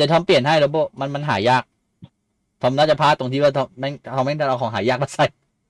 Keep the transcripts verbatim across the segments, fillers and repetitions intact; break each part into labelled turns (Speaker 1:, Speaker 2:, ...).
Speaker 1: ดี๋ยวทอมเปลี่ยนให้แล้วโบมันมันหายากทอมน่าจะพลาดตรงที่ว่าทอมแม่งทอมแม่งเอาของหายากมาใส่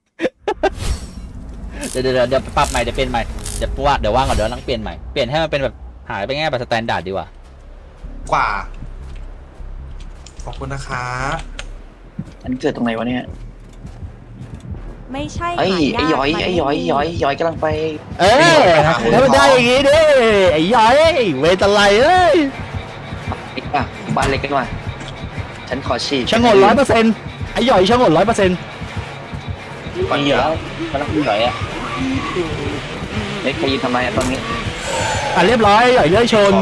Speaker 1: เดี๋ยวเดี๋ยวเดี๋ยวปรับใหม่เดี๋ยวเปลี่ยนใหม่เดี๋ยวว่าเดี๋ยวว่างก่อนเดี๋ยวนั่งเปลี่ยนใหม่เปลี่ยนให้มันเป็นแบบหายไปง่ายแบบสแตนดาร์ดดีกว่าก
Speaker 2: ว่าขอบคุณนะคะ
Speaker 3: อันเกิดตรงไหนวะเนี่ย
Speaker 4: ไม่ใช่
Speaker 3: ไอ้
Speaker 4: หายาก
Speaker 3: ไอ้ย้อยไอ้ย้อยย้อยย้อยกำลังไป
Speaker 1: เอ้ยถ้ามันได้อย่างงี้ดิไอ้ย้อยเวทอะไรเอ้ย
Speaker 3: อีกอ่ะบ้านเล็กกันว่ะฉันขอฉีก
Speaker 1: ชะงนร้อยเปอร์เซ็นต์ไอ้ย้อยชะงนร้อยเปอร์เซ็นต์
Speaker 3: มันอยู่แล้วมันต้องย้อยอ่ะเล็กใครยืนทำไมอ่ะตอนนี้
Speaker 1: อ่ะเรียบร้อยย้อยเลื่อยชน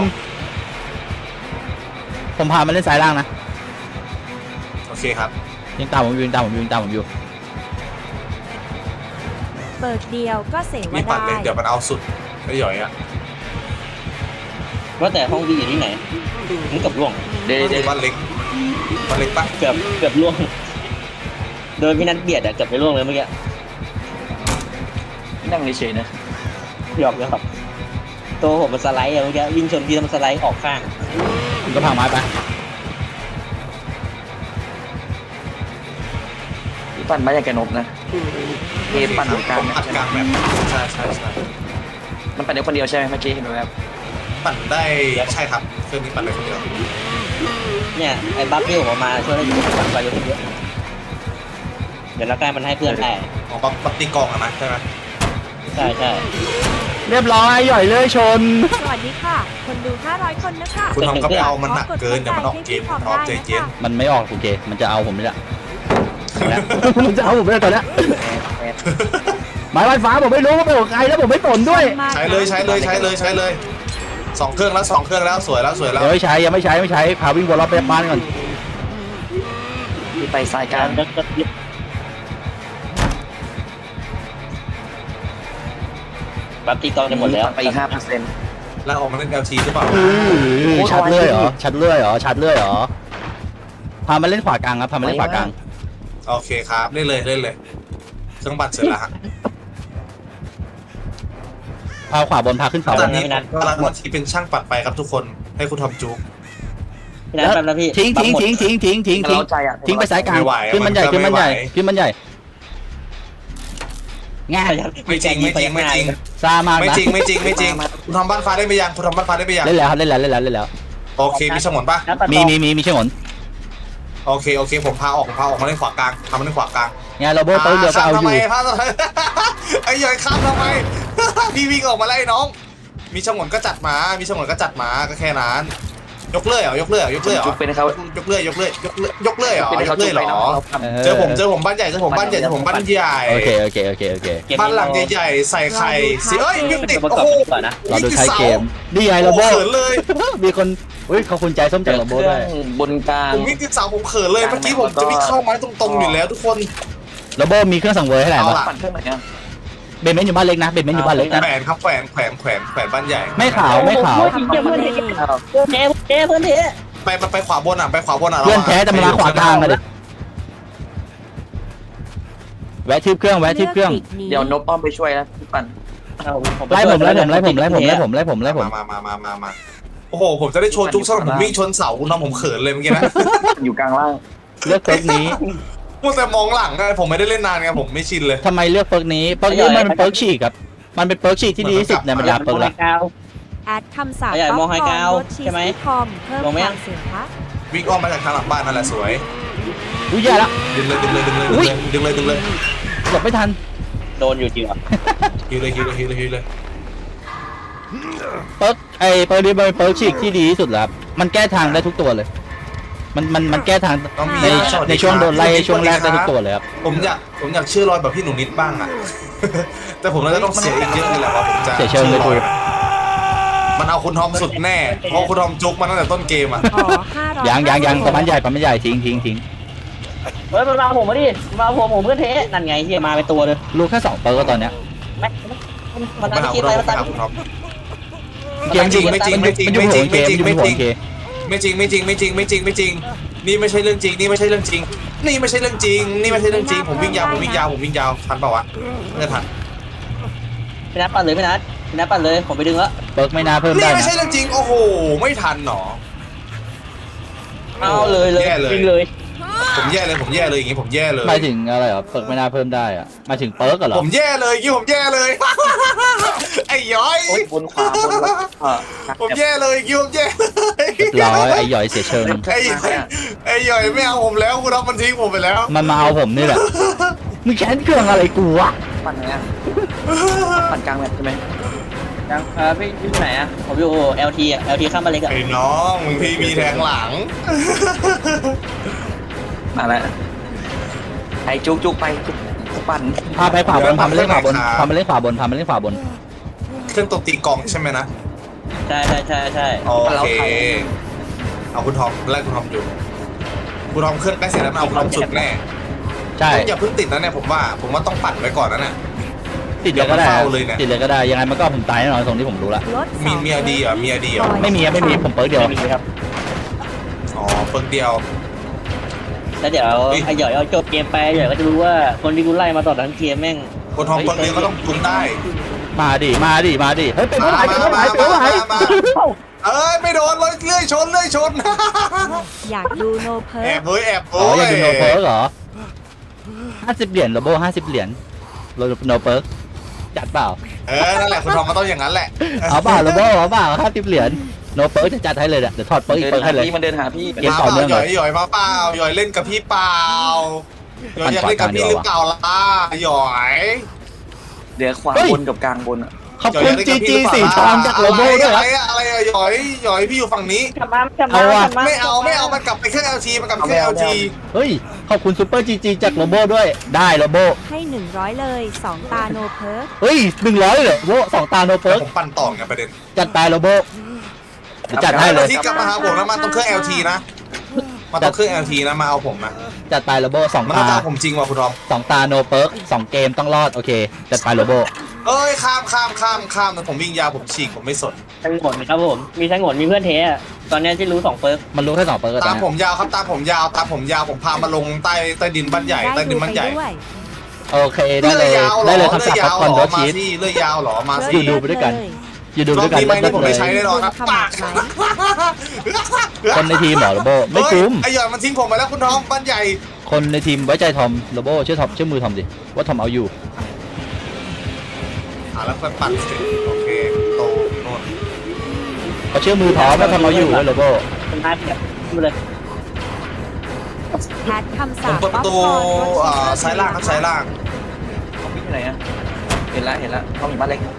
Speaker 1: ผมพามันเล่นสายล่างนะ
Speaker 2: โอเคครับ
Speaker 1: ยิงตามผมอยู่ยิงตามผมอยู่ยิงตามผมอยู่
Speaker 4: เปิดเดียวก็เสว
Speaker 2: รีบปัด
Speaker 4: ได้
Speaker 2: เลยเดี๋ยวมันเอาสุดไอ้หย่อยอะ
Speaker 5: ว่าแต่ห้องวีอยู่ที่ไหนนี่เกือบล่วง
Speaker 3: เดี๋ยวเดี๋ยว
Speaker 2: บ้านเล็กบ้านเล็กปะ
Speaker 5: เกือบเกือบล่วงโดนพี่นัทเบียดอะเกือบไปล่วงเลยเมื่อกี้
Speaker 3: นั่งเฉยๆนะ
Speaker 5: หยอกเลยครับตัวผมมันสไลด์อะเมื่อกี้วิ่งชนทีแล้วมันสไลด์ออกข้าง
Speaker 1: ผมก็พังไม้ไป
Speaker 3: พี่ปั่นมาอย่างแกนบนะเอปั่นตรงกลาง
Speaker 2: ผม
Speaker 3: นะ
Speaker 2: อัดกลางแบบใช่ใช่ใช่
Speaker 3: มันปั่นเดียวคนเดียวใช่ไหมเมื่อกี้เห็นไหมครับ
Speaker 2: ปั่นได้ใช่ครับเครื่องนี้ปั่นได้คนเดียว
Speaker 5: เนี่ยไอ้บัฟที่ผมเอามาช่วยให้ผมปั่นไปเยอะเดี๋ยวนักการมันให้เพื่อนได้
Speaker 2: อ๋อปั๊บปั๊บตีกองอะนะใช่ไหม
Speaker 5: ใช่ใช่
Speaker 1: เรียบร้อยย้อยเลื่อยชน
Speaker 4: สวัสดีค่ะ คนดูห้าร้อยคนนะคะ
Speaker 2: คุณทอมก็ไปเอามันหนักเกินเดี๋ยวมันออกเกมคุณทอมใจเย็น
Speaker 1: มันไม่ออกโอเคมันจะเอาผมไม่ละมันจะเอาผมไม่ได้ตอนเนี้ยหมายไฟฟ้าผมไม่รู้ว่าเป็นของใครแล้วผมไม่สนด้วย
Speaker 2: ใช้เลยใช้เลยใช้เลยใช้เลยสองเครื่องแล้วสองเครื่องแล้วสวยแล้วสวยแล้ว
Speaker 1: เดี๋ยวไม่ใช้ยังไม่ใช้ไม่ใช้พาวิ่งวนรอบไปบ้านก่อน
Speaker 3: พี่ไปสายกลาง
Speaker 5: ก็ก็บัฟตีกองจะหมดแล้ว
Speaker 3: ไปอีกห้าเปอร์เซ็นต์
Speaker 2: แล้วออกมาเล่น แอล ที หรือเปล่า
Speaker 1: ชัดเลื่อยเหรอชัดเลื่อยเหรอชัดเลื่อยเหรอพามาเล่นขวากลางครับพามาเล่นขวากลาง
Speaker 2: โอเคครับเล่นเลยเล่นเลยเครื่องบัตรเสร็จแล้วฮะ
Speaker 1: พาขวาบนพาขึ้นเสา
Speaker 2: ตอนนี้กำลังมาทีเป็นช่างปัดไปครับทุกคนให้คุณทอมจุ๊ก
Speaker 5: พี่นัทแป๊บนะพี่
Speaker 1: ทิ้งทิ้งทิ้งทิ้งทิ้งทิ้งทิ้ง
Speaker 3: เราใจอ่ะ
Speaker 1: ทิ้งไปสายกลางขึ้นมันใหญ่ขึ้นมันใหญ่ขึ้นมันใหญ่ง่าย
Speaker 2: ไม่จริงไม่จริงไม่จริง
Speaker 1: ซามาก
Speaker 2: ไม่
Speaker 1: นะ
Speaker 2: จริงไม่จริงไม่จริงคุณทำบ้านฟ้าได้ไหมยังคุณทำบ้านฟ้าได้ไหมยัง
Speaker 1: เล่นแล้วครับเล่นแล้วเล่นแล้วเล่นแล้ว
Speaker 2: โอเคมีสมนปะ
Speaker 1: มีมีมีมีใช่หมด
Speaker 2: โอเคโอเคผมพาออกผมพาออกมาเล่นขวากลางทำมาเล่นขวากลาง
Speaker 1: งานเราโบต้นเดียวก็เอาอยู่
Speaker 2: ทำไมพาทำไมไอ้หย่อยข้ามทำไม พี่วิ่งออกมาไล่น้อง มีฉงนก็จัดมามีฉงนก็จัดมาก็แค่นั้นยกเลื่อยเหรอยกเลื่อยเหรอยกเลื่อยเหรอ
Speaker 3: จุกเป็นเขา
Speaker 2: ยกเลื่อยยกเลื่อยยกเลื่อยยกเลื่อยเหรอยกเลื่อยเหรอ
Speaker 1: เออ
Speaker 2: เจอผมเจอผมบ้านใหญ่เจอผมบ้านใหญ่เจอผมบ้านใหญ่
Speaker 1: โอเคโอเคโอเคโอเค
Speaker 2: บ้านหลังใหญ่ๆใส่ไข่สิเอ้ยวิ่งติด
Speaker 5: ประก
Speaker 2: โอ้
Speaker 5: อบ
Speaker 2: โห
Speaker 5: ก่อนนะ
Speaker 1: เราดูท้ายเกมนี่ไงเรา
Speaker 2: โอ้
Speaker 1: โบ
Speaker 2: เขินเลย
Speaker 1: มีคนอุ้ยเขาคุณใจส้มใจเราโบด้วย
Speaker 3: บนกลาง
Speaker 2: ผมวิ่งติดเสาผมเขินเลยเมื่อกี้ผมจะวิ่งเข้าไม้ตรงๆอยู่แล้วทุกคน
Speaker 1: เราโบมีเครื่องสังเวยให้ไหน
Speaker 2: เอา
Speaker 1: บ้าง
Speaker 2: ล่ะ
Speaker 3: ปั่นเครื่องไหนอ่ะ
Speaker 1: เบนเมนอยู่บ้านเล็กนะเบนเมนอยู่บ้านเล็กนะ
Speaker 2: แขวนครับแขวนแขวนแขวนแขวนบ้านใหญ่
Speaker 1: ไม่ขาวไม่ขาว
Speaker 4: ทำคอมเมดี้
Speaker 3: อ้าว
Speaker 5: เจ๊เจ๊เพื่อนเจ๊
Speaker 2: ไปไปไปขวาบนอ่ะไปขวาบนอ่ะ
Speaker 1: เพื่อนแท้จะมาขวากลางเลยแวะทิปเครื่องแวะทิปเครื่อง
Speaker 3: เดี๋ยวนบอ้อมไปช่วยนะพี่ปั่น
Speaker 1: ไล่ผมไล่ผมไล่ผมไล่ผมไล่ผมไล่ผมไล่ผม
Speaker 2: มามามามามาโอ้โหผมจะได้โชว์จุ๊กซะผมวิ่งชนเสาคุณน้องผมเขินเลยเมื่อกี้นะ
Speaker 3: อยู่กลางล่าง
Speaker 1: เลือกเฟิร์กนี้
Speaker 2: พูดแต่มองหลังไงผมไม่ได้เล่นนานไงผมไม่ชินเลย
Speaker 1: ทำไมเลือกเฟิร์กนี้เฟิร์กนี้มันเป็นเฟิร์กฉีกครับมันเป็นเฟิร์กฉีกที่ดีที่สุดในบรรดาเฟิร์กละ
Speaker 4: แอดคำศัพท์
Speaker 5: ใหญ่มองไฮกราวด์
Speaker 4: ลดชีส
Speaker 5: ใช่ไหม
Speaker 4: คอมเพิ่ม
Speaker 5: ลงไหม
Speaker 4: ความเสียงคะ
Speaker 2: วิ่งอ้อมมาจากทางหลังบ้านนั่นแหละสวย
Speaker 1: อุ้ยแย่ละ
Speaker 2: ดึงเลยดึงเลยดึงเลย
Speaker 1: อุ๊ย
Speaker 2: ดึงเลยดึงเลย
Speaker 1: หลบไม่ทัน
Speaker 5: โดนอยู่จริงเหรอ
Speaker 2: ฮิวเลยฮิวเลยฮิวเลยฮิวเลย
Speaker 1: เฟิร์กไอเฟิร์กนี้มันเป็นเฟิร์กฉีกที่ดีที่สุดแล้วครับมันแก้ทางได้ทุกตัวเลย มันมันมันแก้ทาง
Speaker 2: น้องมี
Speaker 1: ใน
Speaker 2: สส
Speaker 1: ในช่วงโดนไล่
Speaker 2: ครับ
Speaker 1: ช่วงแรกได้ทุกตัวเลยครับ
Speaker 2: ผมอยากผมอยากชื่อรอยแบบพี่หนูนิดบ้างอ่ะ แต่ผมน่าจะต้องเสียอีกเยอะเลยแหละว่าผมจะ
Speaker 1: เสียเชิงเลยคุย
Speaker 2: มันเอาคุณทอมสุดแน่เพราะคุณทอมจุกมาตั้งแต่ต้นเกมอ่ะ
Speaker 4: อ๋อห้าร้อย
Speaker 1: ยังยังยังประมาณใหญ่ประมาณใหญ่ทิ้งทิ้งทิ้ง
Speaker 5: เฮ้ยมันมาผมมาดิมาผมผมเพื่อนเทนั่นไงที่มาเป็นตัวเลย
Speaker 1: รู้แค่สองเปิร์กตอนเนี้ย
Speaker 5: ไม่มัน
Speaker 2: ไม่
Speaker 5: น่าจะ
Speaker 2: หา
Speaker 5: คิ
Speaker 2: คุ
Speaker 5: ด
Speaker 2: ณ
Speaker 5: อะ
Speaker 2: ท
Speaker 5: ไร
Speaker 2: อม
Speaker 5: มา
Speaker 2: ไม่
Speaker 5: ตาม
Speaker 2: หาคุณทอม
Speaker 1: เกม
Speaker 2: ไม่จริงไม่จริง
Speaker 1: มันอยู่
Speaker 2: ไม่จริง
Speaker 1: มันอยู่หัวเกมมันอยู่หัวเกม
Speaker 2: ไม่จริงไม่จริงไม่จริงไม่จริงไม่จริงนี่ไม่ใช่เรื่องจริงนี่ไม่ใช่เรื่องจริง นี่ไม่ใช่เรื่องจริง นี่ไม่ใช่เรื่องจริงผมวิ่งยาวผมวิ่งยาวผมวิ่งยาวทันเปล่าวะไม่ทัน
Speaker 5: พี่นัทปั่นเลยพี่นัทพี่นัทปั่นเลยผมไปดึงแล้ว
Speaker 1: เปิร์กไม่น่าเพิ่ม
Speaker 2: นี่
Speaker 1: ได้
Speaker 2: ไม่
Speaker 1: นะ
Speaker 2: ใช่เรื่องจริงโอ้โหไม่ทันหนอ
Speaker 5: เอาเลยเลย
Speaker 2: แย่เลย
Speaker 5: วิ่งเลย
Speaker 2: ผมแย่เลยผมแย่เลยอย่างงี้ผมแย่เลย
Speaker 1: หมายถึงอะไรเหรอเปิร์กไม่น่าเพิ่มได้อะหมายถึงเปิร์กเหรอ
Speaker 2: ผมแย่เลยยี่ผมแย่เลย ไอ้ย้อย
Speaker 3: โอ๊ยบนขวาบนแล้วเออ
Speaker 2: ผมแย่เลยยี่ผมแย่เลย
Speaker 1: เรียบร้อยไอ้หย่อยเสียเชิง
Speaker 2: ไอ้ย้อยไอ้ย้อยไม่เอาผมแล้วคุณรับมันทิ้งผมไปแล้ว
Speaker 1: มันมาเอาผมนี่แหละมึงแค้นเครื่องอะไรกูวะ
Speaker 3: ปั่นไหนอ่ะปั่นกลางแบบใช่ไหม
Speaker 5: ยังเออพี่พี่อยู่ไหนอ่ะผมอยู่ แอล ที อ่ะ แอล ที ข้ามมาเล็กอ่ะ
Speaker 2: ไอ้น้องมึงพี่มีแทงหลัง
Speaker 3: มาแล้วไอ้จุกจุกไปจุกปั่น
Speaker 1: พาไปขวาบนพาไปเล่นขวาบนพาไปเล่นขวาบนพาไปเล่นขวาบน
Speaker 2: เครื่องตบตีกลองใช่ไหมนะ
Speaker 5: ใช่ใช่ใช่ใช่
Speaker 2: โอเคเอาคุณทอมไล่คุณทอมอยู่คุณทอมเครื่องใกล้เสร็จแล้วมันเอาคุณทอมสุดแน่
Speaker 1: ใช่
Speaker 2: อย่าเพิ่งติดนะเนี่ยผมว่าผมว่าต้องปั่นไว้ก่อนนะเนี่ย
Speaker 1: ติดเลยก็ได้
Speaker 2: อย่ามาเฝ้าเลยเนี่ย
Speaker 1: ติดเลยก็ได้ยังไงมันก็ผมตายแน่นอนตรงที่ผมรู้ละ
Speaker 4: ลดส
Speaker 2: มี
Speaker 4: อง
Speaker 2: เมียดีเหรอเมียดีเหรอ
Speaker 1: ไม่มีอะไม่มีผมเปิร์กเดียว
Speaker 5: ไม่มีครับ
Speaker 2: อ๋อเพิ่งเดียว
Speaker 5: แล้วเดี๋ยว
Speaker 2: เฮ้ย
Speaker 5: ไอ้หย่อยเอาจบเกมไปไอ้หย่อยก็จะรู้ว่าคนที่กูไล่มาตลอดทั้งเกมแม่ง
Speaker 2: คุณทอมเพิ่งเดียวก็ต้องคุมได้
Speaker 1: มาดิมาดิมาดิเฮ้ยเป็น
Speaker 2: มา
Speaker 1: เมื่อไหร่
Speaker 2: มา
Speaker 1: เป็นเมื่อไหร่
Speaker 2: มา
Speaker 1: เป็นเมื่อไหร่
Speaker 2: มามาเอ้ยไม่โดนเลยเลื่อยชนเลื่อยชน
Speaker 4: อยากดูโนเพิ
Speaker 2: แอ
Speaker 4: ร์
Speaker 2: บเฮ้ยแอบ
Speaker 1: อ๋
Speaker 2: โอ้
Speaker 1: อย อยากดูโนเปิร์กเหรอห้าสิบเหรียญโรโบห้าสิบเหรียญโรโนเปิร์กจัดเปล่า
Speaker 2: เออนั่นแหละคุณทอมมันต้องอย่างนั้นแหละ
Speaker 1: เอาเปล่าโรโบเอาเปล่าห้าสิบเหรียญโนเปิร์กจะจัดให้เลยเดี๋ยวถอดเปิร์กอีก
Speaker 3: เดิน
Speaker 1: เปิร์ก
Speaker 3: หา
Speaker 1: ให้เลย
Speaker 3: พี่มันเดินหาพี่
Speaker 1: เกม
Speaker 2: มา
Speaker 1: ต่อ
Speaker 2: เป
Speaker 1: เนื่อง
Speaker 2: ล่าห
Speaker 1: เลย
Speaker 2: ย่อยหย่อยมาเปล่าหย่อยเล่นกับพี่เปล่าหย่อยอยากเล่นกับพี่หรือเปล่าล่ะหย่อย
Speaker 3: เดี๋ยวขวาบนกับกลางบนอ่ะ
Speaker 1: ขอบคุณจีจีสีทองจากโรโบด้วย
Speaker 2: อะ
Speaker 1: ค
Speaker 2: ไร
Speaker 1: รับ
Speaker 2: อะอะไรอะหย่อยหย่อยพี่อยู่ฝั่งนี้
Speaker 5: กลับมากลับมา
Speaker 1: เอาว่ะ
Speaker 5: กลับ
Speaker 2: ไม่เอาไม่เอามันกลับไปเครื่อง แอล ที มันกลับไปเครื่อง แอล ที
Speaker 1: เฮ้ยขอบคุณซูเปอร์จีจีจากโรโบด้วยได้โรโบ
Speaker 4: ให้หนึ่งร้อยเลยสองตาโนเพิร์
Speaker 1: เฮ้ยหนึ่งร้อยเลยโรสองตาโนเปิร์ก
Speaker 2: ผมปั่นต่อไงประเด็น
Speaker 1: จัดไปโรโบเดี๋ยวจัดให้เลย
Speaker 2: ที่กลับมาหาผมแล้วมาต้องเครื่อง แอล ที นะมาต้องเครื่อง แอล ที นะมาเอาผมนะ
Speaker 1: จัดไปโรโบสอง
Speaker 2: มัน
Speaker 1: ตา
Speaker 2: ต้องตามผมจริงว่ะคุณทอม
Speaker 1: สองตาโนเปิร์กสองเกมต้องรอดโอเคจัดไปโรโบ
Speaker 2: เอ้ยข้ามข้ามข้ามข้ามแต่ผมวิ่งยาวผมฉีกผมไม่สน
Speaker 5: ทั้งหมดครับผมมีทั้งหมดมีเพื่อนเทอะตอนนี้ที่รู้สองเปิร์ก
Speaker 1: มันรู้แค่สองเปิร์ก
Speaker 2: ตาม
Speaker 1: ตอน
Speaker 2: ผ
Speaker 1: เนี้ย
Speaker 2: มยาวครับตามผมยาวตามผมยาวผมพามาลงใต้ใต้ดินบ้านใหญ่ใต้
Speaker 4: ได้
Speaker 2: ดิ
Speaker 4: ดู
Speaker 2: นบ้าน
Speaker 4: ไป
Speaker 2: ใหญ่
Speaker 4: ด้วย
Speaker 1: โอเคได้เลย
Speaker 2: ยาวหรอ
Speaker 1: ได้เลยคำ
Speaker 2: เลื่
Speaker 1: สั่
Speaker 2: อง
Speaker 1: พั
Speaker 2: ยาก ว
Speaker 1: ผ่อน
Speaker 2: เหร
Speaker 1: โด
Speaker 2: อ
Speaker 1: ชี
Speaker 2: มา
Speaker 1: ส
Speaker 2: สิเลื่อยยาวเหรอมาสิ
Speaker 1: อยู่ดูไปด้วยกัน อยู่ดู
Speaker 2: รอ
Speaker 1: ด้
Speaker 2: บ
Speaker 1: วยกัน
Speaker 2: นี้ไหม
Speaker 1: เลิ
Speaker 2: นี่ผม
Speaker 1: ศเล
Speaker 2: ไม่
Speaker 1: ย
Speaker 2: ใช้แน่นอนครับ
Speaker 4: ขมั
Speaker 2: ปาก
Speaker 4: ไหม
Speaker 1: คนในทีมเหรอโรโบไม่
Speaker 2: เฮ้ย
Speaker 1: คุ้ม
Speaker 2: ไอหยอยมันทิ้งผมไปแล้วคุณทอมบ้านใหญ่
Speaker 1: คนในทีมไว้ใจทอมโรโบเชื่อทอมเชื่อมือทอมดิว่าทอมเอาอยู่
Speaker 2: อ่ะแล้วก็ปั่นเสร็จโอเคโตโน่น
Speaker 1: เขาเชื่อมือทอมว่าทอมเอาอยู่เว้ยโรโบ
Speaker 5: เป็นท้ายแบบมาเลย
Speaker 4: แพทคำ
Speaker 2: ผ
Speaker 4: สาม ป
Speaker 2: เปิดประตู
Speaker 4: ป๊อปคอร์นรส
Speaker 2: อ่า
Speaker 4: ชีส
Speaker 2: ซ้ายล่างครับซ้ายล่าง
Speaker 3: เขาพี่ที่ไหนอ่ะเห็นแล้วเห็นแล้วเขามีบ้านเล็ก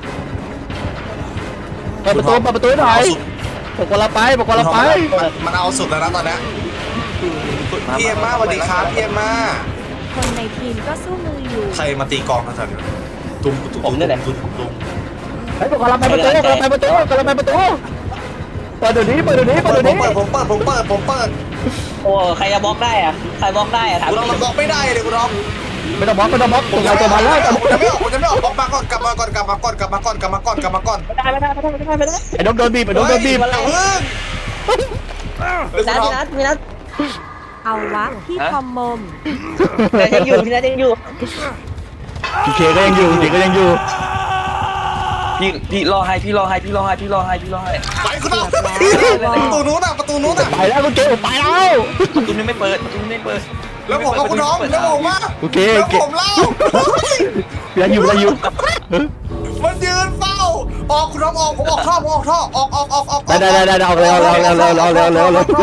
Speaker 1: เปิดประตูเปิดประตูหน่อยบอกว่าเราไปบอกว่าเราไป
Speaker 2: มันมันเอาสุดแล้วนะตอนเนี้ยพี่เอ็มมาสวัสดีครับพี่เอ็มมา
Speaker 4: คนในทีมก็สู้มืออยู่
Speaker 2: ใครมาตีกลองกันสันตุ้มตุ้มตุ้มตุ้มตุ้ม
Speaker 1: เฮ้ยบอกว่าเราไปประตูบอกว่าเราไปประตูบอกว่าเราไปประตูเปิดเดี๋ยวนี้เปิดเดี๋ยวนี้เปิด
Speaker 2: เปิด
Speaker 1: เดี๋ยว
Speaker 2: ผม
Speaker 1: นี้
Speaker 2: เปิดผมเปิดผมเปิดผมเปิด
Speaker 5: โอ้ใครจะบล็อกได้อะใครบล็อกได้อะถาม
Speaker 2: คุณลองมันบอกไม่ได้เลยคุณลอง
Speaker 1: ไม่ต้องบล็อกไม่ต้องบล็อก
Speaker 2: ผ
Speaker 1: ตัว
Speaker 2: ม
Speaker 1: ใคร
Speaker 2: จะ
Speaker 1: ตัวมันแล้ว
Speaker 2: ไม่ออกผมจะไม่ออกผมจะไม่ออกบอกมาก่อนกลับมาก่อนกลับมาก่อนกลับมาก่อนกลับมาก่อนกลับมาก่อนกลับมาก่อน
Speaker 5: ไม่ได้ไม่ได้ไม่ได้ไม่ได้ไม่ได้
Speaker 1: ไอ้นกโดนบีบไอ้นกโดนบีบ
Speaker 2: เฮ้ยอย่าเพิ่ง
Speaker 5: พี่นัทพี่นัทพี่นัท
Speaker 4: เอาวะพี่ทอมมม
Speaker 5: พี่นัทยังอยู่พี่นัทยังอยู่
Speaker 1: พีเคก็ยังอยู่พีก็ยังอยู่
Speaker 3: พี่พี่รอให้พี่รอให้พี่รอให้พี่รอให้พี่รอให้
Speaker 2: ไปคุณลองประตูนู้นอ่ะประตูนู้นอ่ะ
Speaker 1: ไปแล้วคุณเกมไปแล้ว
Speaker 3: ประตูนี้ไม่เปิดประตูนี้ไม่เปิด
Speaker 2: แล้วผมกับคุณน้องแล้วผมมา
Speaker 1: โอเค
Speaker 2: แล้
Speaker 1: โอ
Speaker 2: ว
Speaker 1: เค
Speaker 2: ผมเล่า
Speaker 1: ยังอยู่ยังอยู่
Speaker 2: มันยืนเฝ้าออกคุณน้องออกผมออกท่อผมออกท่อออกออกออกออก
Speaker 1: ได้ได้ได้ได้เอาเร็วเร็วเร็วเร็วเร็วเร็วเร็วเร็ว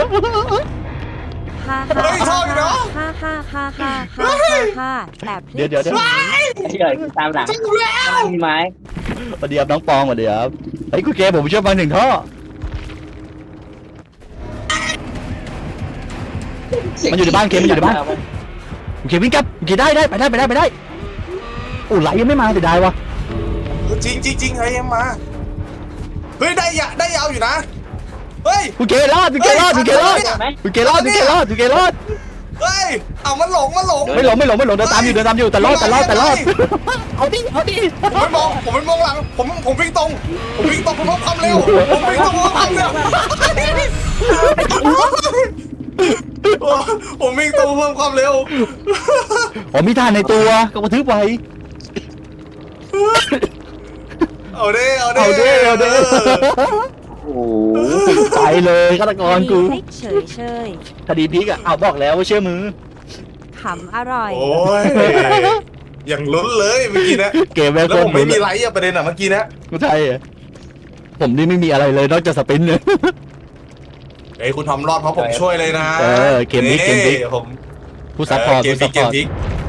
Speaker 4: ฮ่า
Speaker 2: เฮ้ยชอบอยู่เนาะ
Speaker 4: ฮ่าฮ่าฮ่าฮ่าฮ่าฮ่าฮ่าแต่พลิก
Speaker 1: เดี๋ยวเดี๋ยวเดี๋ยว
Speaker 5: พี่หย่อยตามหลัง
Speaker 2: จริงแล้ว
Speaker 5: มีไม้
Speaker 1: สวัสดีครับน้องปองสวัสดีครับเฮ้ยคุณเกมผมเชื่อฟังหนึ่งท่อมันอยู่ในบ้านเกมมันอยู่ในบ้านโอเควิ่งกลับโอเคได้ได้ไปได้ไปได้ไปได้โอ้ไหลยังไม่มาเสียดายวะ
Speaker 2: จริงจริงจริงไอ้เอ็มมาเฮ้ยได้ยะได้ยาวอยู่นะเฮ้ย
Speaker 1: คุณเกรอดคุณเกรอดคุณเกรอดคุณเกรอดคุณเกรอดคุณเกรอด
Speaker 2: เฮ้ยเอามันหลงมันหลง
Speaker 1: ไม่หลงไม่หลงไม่หลงเดินตามอยู่เดินตามอยู่แต่รอดแต่รอดแต่รอดเอาดิเอาดิ
Speaker 2: ผมไม่มองผมไม่มองหลังผมผมวิ่งตรงผมวิ่งตรงผมเพิ่มความเร็วผมวิ่งตรงผมเพิ่มความเร็วผมวิ่งตรงเพิ่มความเร็ว
Speaker 1: ผมมีท่าในตัวก็กระทึบไว้
Speaker 2: เอาเด้เอาเด้
Speaker 1: เอาดิเอาดิ
Speaker 3: โอ้โห
Speaker 1: ตายเลยฆาตกรกู
Speaker 4: พลิกเฉยเฉย
Speaker 1: คดีพลิกอ่ะเอาบอกแล้วว่าเชื่อมือ
Speaker 4: ขำอร่อย
Speaker 2: โอ้ยอย่างลุ้นเลยเมื่อกี้นะ
Speaker 1: เกมแม่ง
Speaker 2: แล้ว
Speaker 1: โค
Speaker 2: ผ
Speaker 1: ต
Speaker 2: ม
Speaker 1: ร
Speaker 2: ไม่
Speaker 1: ลุ้น
Speaker 2: มีไลท์อะประเด็นอะเมื่อกี้นะ
Speaker 1: ไม่ใช่อะผมนี่ไม่มีอะไรเลยนอกจากสปินเนี่ย
Speaker 2: เอ้ยคุณทอมรอดเพราะผมช่วยเลยนะ
Speaker 1: เออเกมนี้เกมนี้
Speaker 2: ผม
Speaker 1: ผู้ซัพพอร์ต
Speaker 2: เกม
Speaker 1: ผู้
Speaker 2: พลิ
Speaker 1: ซั
Speaker 2: ก
Speaker 1: พ
Speaker 2: เก
Speaker 1: พอร์ต
Speaker 2: มพลิก